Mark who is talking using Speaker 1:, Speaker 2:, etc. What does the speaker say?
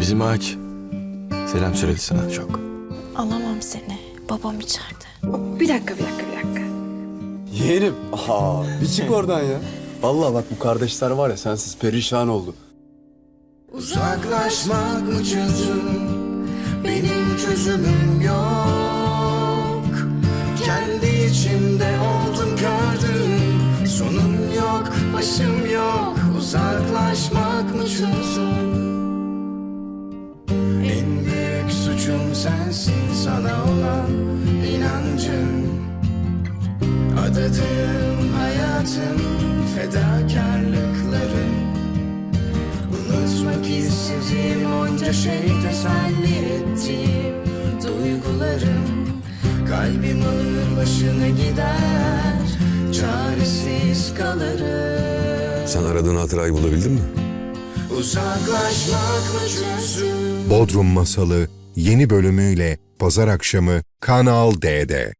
Speaker 1: Bizim ağaç selam söyledi sana çok.
Speaker 2: Alamam seni. Babam içeride.
Speaker 3: Bir dakika.
Speaker 4: Yeğenim. Bir çık oradan ya. Vallahi bak bu kardeşler var ya sensiz perişan oldu.
Speaker 5: Uzaklaşmak mı çözüm? Benim çözümüm yok. Kendi içimde oldum gördüm. Sonum yok, başım yok. Uzaklaşmak mı çözüm? En büyük suçum sensin, sana olan inancım. Adadığım hayatım, fedakarlıklarım. Unutmak istediğim onca şey, teselli ettiğim duygularım. Kalbim alır başına gider, çaresiz kalırım.
Speaker 6: Sen aradığın hatırayı bulabildin mi?
Speaker 5: Uzaklaşmak mı çözüm?
Speaker 7: Bodrum Masalı yeni bölümüyle pazar akşamı Kanal D'de.